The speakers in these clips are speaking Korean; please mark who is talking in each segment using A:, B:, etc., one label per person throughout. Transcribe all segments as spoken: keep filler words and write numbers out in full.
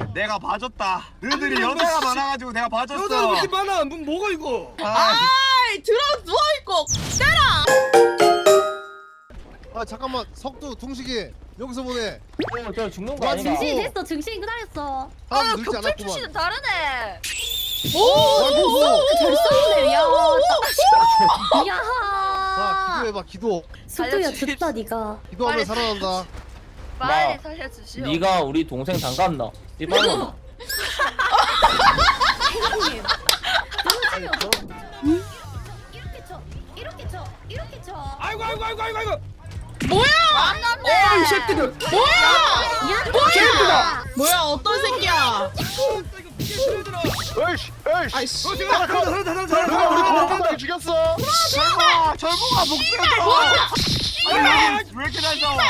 A: 내가 봐줬다. 너희들이 여자가 많아가지고 내가 봐줬어.
B: 여자가 그렇게 많아. 뭐, 뭐가 이거?
C: 아이 들어 누워있고 때라.
D: 아 잠깐만 석두 둥식이 여기서 보내.
E: 어, 저 죽는 거
D: 와,
E: 아닌가?
D: 진심.
F: 증신 됐어. 증신 기다렸어.
C: 아
D: 사람 늘지
C: 격찰
D: 않았구만.
C: 출신은 다르네.
D: 오오오.
F: 잘 싸우네. 야. 야.
D: 자 기도해봐 기도.
F: 숙두야
C: 알려주십시오.
F: 듣다 니가.
D: 기도하면
C: 빨리
D: 살아난다.
C: 빨리
E: 마,
C: 살려주시오.
E: 네가 우리 동생 장갑나? 이봐라.
F: 행님. 이렇게 쳐. 이렇게 쳐. 이렇게 쳐.
B: 아이고 아이고 아이고 아이고 아이고.
C: 안났네.
B: 어이 새끼들.
F: 야, 뭐야?
C: 뭐야 어떤 새끼야?
D: 에이씨 에이씨.
C: 아이씨.
B: 어 지금 살았다 살았다
D: 누가
B: 살았다.
D: 우리 동생들 죽였어?
A: 절봉아, 절봉아 목소리 들어. 아니, 왜 이렇게 잘 싸워?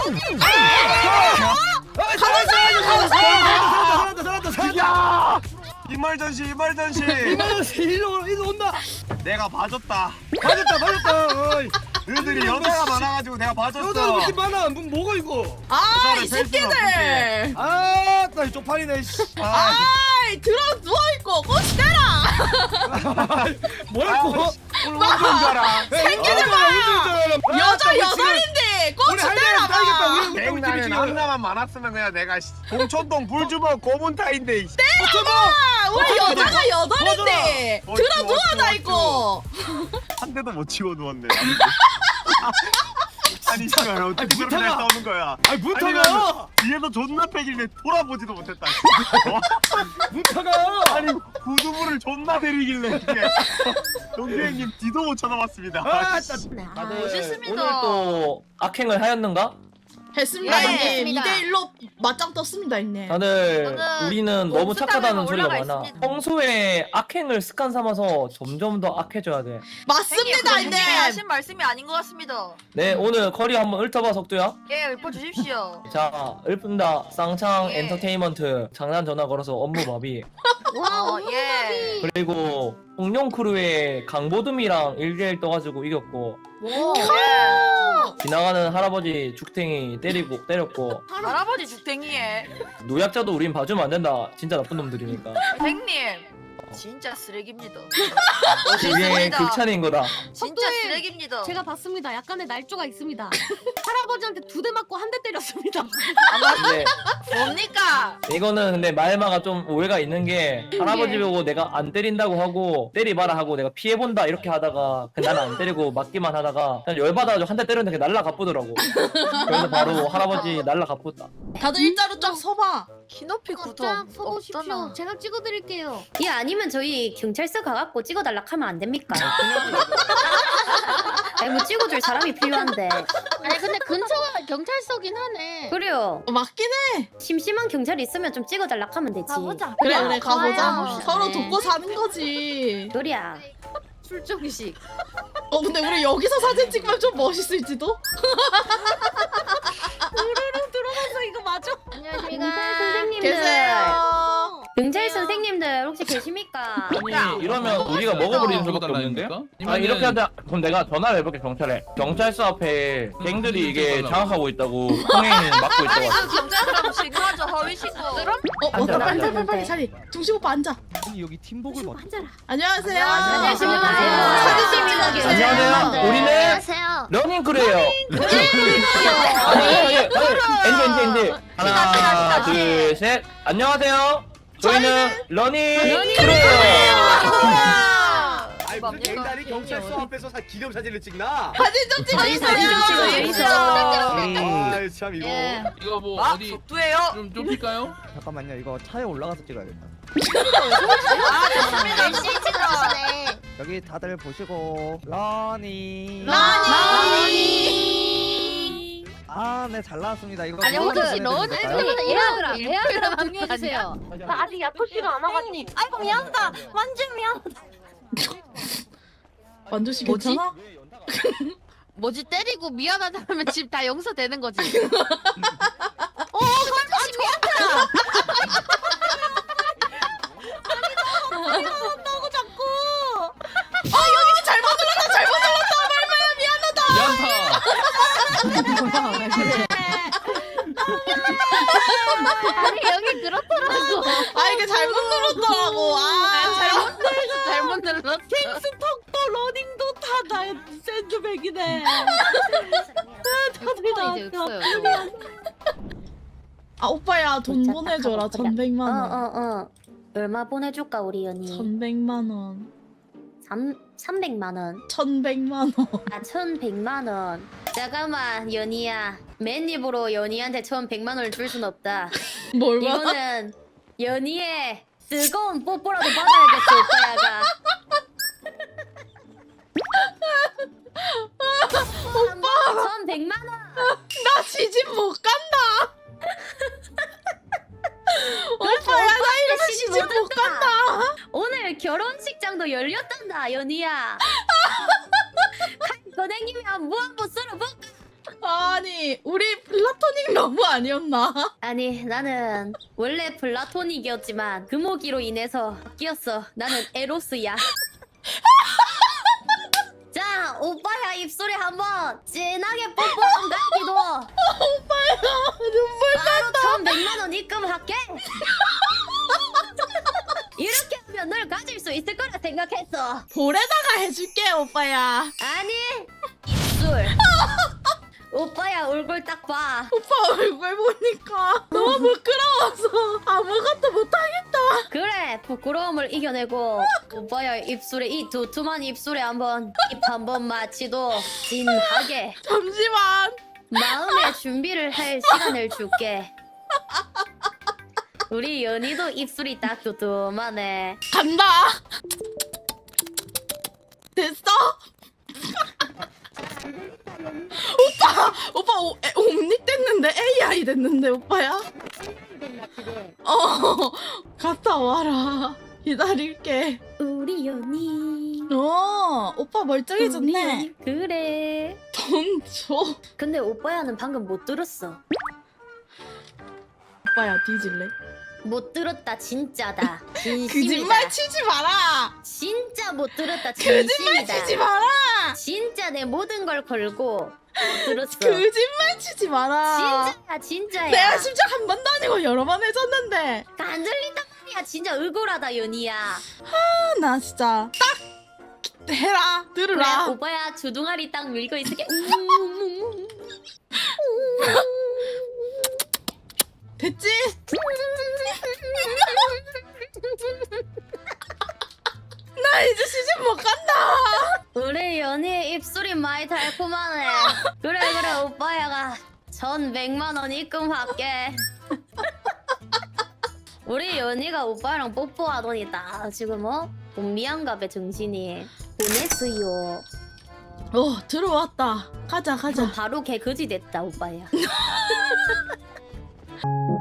B: 살았다 살았다 살았다 살았다 살았다.
A: 야! 이말전시, 이말전시.
B: 이만원씩 일로 일로 온다.
A: 내가 봐줬다.
B: 맞았다 맞았다. 어이.
A: 너희들이 여자가 많아가지고 내가
B: 여자가
A: 봐줬어.
B: 그렇게 많아. 뭐, 뭐가 이거?
C: 아이
A: 여자를 뺄 수는
C: 새끼들.
B: 아, 나 쪽팔리네. 씨.
A: 아,
C: 아이 들어 누워있고 꼬시 때라.
B: 뭐야 이거?
A: 오늘 원조인 줄 알아.
B: 새끼들 봐.
C: 여자 여덟인데 꼬시 때라 봐.
A: 백날에 남자만 많았으면 그냥 내가 씨, 공천동 불주먹 고문타인데. 씨.
C: 아, 우리 여자가 여덟인데
A: 어,
C: 들어
A: 좋아,
C: 누워나
A: 좋아,
C: 있고.
A: 한 대도 못 치고 누웠네. 아니 씨발 어떻게
B: 아니,
A: 저렇게 잘
B: 문타가-
A: 싸우는 거야?
B: 아니 문타가
A: 아니면 뒤에서 존나 패길래 돌아보지도 못했다.
B: 문타가.
A: 아니 구두부를 존나 때리길래 이게 동규형님 뒤도 못 쳐다봤습니다.
B: 아,
A: 씨.
B: 나-
E: 다들
C: 멋있습니다.
E: 오늘 또 악행을 하였는가?
C: 했습니다
F: 네,
C: 형님.
F: 했습니다.
C: 이 대 일로 맞짱 떴습니다 형님.
E: 다들
C: 저는
E: 우리는 너무
C: 몬스터
E: 착하다는
C: 타워에
E: 소리가
C: 올라가
E: 많아.
C: 있습니다.
E: 평소에 악행을 습관 삼아서 점점 더 악해져야 돼.
C: 맞습니다
G: 형님
C: 형님.
G: 하신 말씀이 아닌 것 같습니다.
E: 네, 오늘 커리 한번 읊어봐 석두야.
G: 예, 읊어주십시오.
E: 자, 읊은다. 쌍창
G: 예.
E: 엔터테인먼트 장난 전화 걸어서 업무 마비.
F: 와,
G: 어, 예.
E: 그리고 공룡 크루의 강보듬이랑 일 대일 떠가지고 이겼고,
G: 오, 예.
E: 지나가는 할아버지 죽탱이 때리고 때렸고,
G: 할아버지 죽탱이에.
E: 노약자도 우린 봐주면 안 된다. 진짜 나쁜 놈들이니까.
G: 선생님, 진짜 쓰레기입니다.
E: 그게
G: 멋있습니다.
E: 극찬인 거다.
G: 진짜
F: 선생님,
G: 쓰레기입니다.
F: 제가 봤습니다. 약간의 날조가 있습니다. 할아버지한테 두 대 맞고 한 대 때렸습니다.
E: 근데
G: 뭡니까?
E: 이거는 근데 말마가 좀 오해가 있는 게 할아버지 보고 내가 안 때린다고 하고 때리봐라 하고 내가 피해본다 이렇게 하다가 그냥 나는 안 때리고 맞기만 하다가 그냥 열받아가지고 한 대 때렸는데 그게 날라 가쁘더라고. 그래서 바로 할아버지 날라 가쁘다.
C: 다들 일자로 쫙 서봐.
G: 키높이 구도
F: 쫙 서보십시오.
G: 없잖아.
F: 제가 찍어드릴게요. 예, 아니면 저희 경찰서 가갖고 찍어달라 하면 안 됩니까? 아니 뭐 찍어줄 사람이 필요한데.
H: 아니 근데 근처가 경찰서긴 하네.
F: 그래요.
C: 어, 맞긴 해.
F: 심심한 경찰이 있으면 좀 찍어달라 하면 되지.
H: 가보자.
C: 그래
H: 야,
C: 그래 가보자.
H: 가야.
C: 서로
H: 네.
C: 돕고 사는 거지.
F: 놀이야.
H: 출정식.
C: 어 근데 우리 여기서 사진 찍으면 좀 멋있을지도?
F: 들어가서 이거 맞아?
H: 안녕하십니까.
F: 경찰 선생님들.
C: 계세요.
F: 경찰 선생님들 혹시 계십니까?
E: 아니 이러면 우리가 먹어버리는 수밖에 없는데? 아 이렇게 하자. 그럼 내가 전화를 해볼게 경찰에. 경찰서 앞에 갱들이 이게 장악하고 있다고 폭행 막고
G: 아니,
E: 있다고.
G: 그 경찰들하고 신고하죠. 허위 신고.
C: 어
E: 앉아,
C: 왔다
E: 앉아,
C: 앉아
F: 앉아.
C: 빨리 자리. 중식 오빠 앉아.
B: 여기 팀복을
F: 이거 앉아라.
C: 안녕하세요.
F: 안녕하십니까.
C: 사진 찍는 게
E: 안녕하세요. 우리는
H: 안녕하세요.
E: 러닝크루예요. 아니 아니 아니 엔지 엔지 엔지. 하나 둘 셋. 안녕하세요. 저희는 러닝크루예요.
B: 아이 무슨 갱단이 경찰서 앞에서 사 기념 사진을 찍나?
C: 사진 좀
F: 저희 사진 좀
C: 찍어주세요.
F: 찍어주세요.
B: 아이 참 이거.
G: 예.
I: 이거 뭐
G: 아,
I: 어디
G: 속도예요.
I: 좀 좁힐까요?
J: 잠깐만요. 이거 차에 올라가서 찍어야겠다.
G: 아, 좋습니다.
H: 열심히 찍어주시네.
J: 여기 다들 보시고 러니.
C: 라니.
J: 아, 네, 잘 나왔습니다. 이거
H: 아니
J: 누가
H: 혹시
J: 보내드릴까요?
H: 러닝크루는 예약을 예약을 공유해주세요.
F: 나 아직 야토씨가 안 와가지고. 아이고 미안하다. 완전 미안하다.
C: 만두 씨
H: 뭐지?
C: 괜찮아?
H: 뭐지 때리고 미안하다면 집 다 용서되는 거지. 어, 완전 미안하다.
F: 미안하다고 자꾸.
C: 아 여기 잘못 눌렀다 잘못 눌렀다 말마야 미안하다.
I: 미안타.
H: 아니 여기 그렇더라고.
C: 아 이게 잘못 눌렀더라고. 아 잘못.
H: 잘못 눌렀어.
F: 텍스톡도 러닝도 다 나의 샌드백이네.
H: 다들 다 이제 없어요.
C: 아 오빠야 돈 보내줘라 천백만 원.
I: 어어어 얼마 보내줄까 우리 연이?
C: 천백만 원.
I: 삼 삼백만 원.
C: 천백만 원.
I: 아 천백만 원. 잠깐만 연이야. 맨입으로 연이한테 천백만 원을 줄 순 없다.
C: 뭘 받아?
I: 이거는 연이의 뜨거운 뽀뽀라도 받아야겠어 오빠야가. 오빠 천백만 원.
C: 나 시집 못 간다. 오빠야 나 이러면
I: 시집
C: 시집
I: 못
C: 못 간다.
I: 오늘 결혼식장도 열렸단다 연이야. 선생님이 뭐 한번 쓸어볼까?
C: 아니 우리 플라토닉 너무 아니었나?
I: 아니 나는 원래 플라토닉이었지만 금오기로 인해서 바뀌었어. 나는 에로스야. 자 오빠야 입술에 한번 진하게 뽀뽀 한 가기도.
C: 오빠야 눈물
I: 바로 천백만 원 입금할게. 이렇게 하면 널 가질 수 있을 거라 생각했어.
C: 볼에다가 해줄게 오빠야.
I: 아니 입술. 오빠야 얼굴 딱 봐.
C: 오빠 얼굴 보니까 너무 부끄러워서 아무것도 못하겠다.
I: 그래 부끄러움을 이겨내고 오빠야 입술에 이 두툼한 입술에 한번 입 한번 마치도 진하게
C: 잠시만.
I: 마음의 준비를 할 시간을 줄게. 우리 연희도 입술이 딱 두툼하네.
C: 간다. 됐어? 오빠 오빠 오, 에, 옴닉 됐는데 에이아이 됐는데 오빠야? 어 갔다 와라. 기다릴게.
I: 우리 연희.
C: 어 오빠
I: 우리
C: 멀쩡해졌네.
I: 연희. 그래.
C: 돈 줘.
I: 근데 오빠야는 방금 못 들었어.
C: 오빠야 뒤질래?
I: 못 들었다 진짜다. 진심이다.
C: 거짓말 치지 마라.
I: 진짜 못 들었다
C: 거짓말
I: 진심이다.
C: 치지 마라.
I: 진짜 내 모든 걸 걸고 못 들었어.
C: 거짓말 치지 마라.
I: 진짜야 진짜야.
C: 내가 심지어 한 번도 아니고 여러 번 해줬는데.
I: 안 들린단 말이야. 진짜 억울하다 연희야.
C: 아, 나 진짜 딱 해라.
I: 그래
C: 들으라.
I: 오빠야 주둥아리 딱 밀고 있을게. 음.
C: 됐지? 나 이제 시집 못 간다.
I: 우리 연희 입술이 많이 달콤하네. 그래 그래 오빠야가 천백만 원 입금할게. 우리 연희가 오빠랑 뽀뽀하더니 딱 지금 어? 본미안갑에 정신이 보냈어요.
C: 어 들어왔다. 가자 가자.
I: 바로 개그지 됐다 오빠야.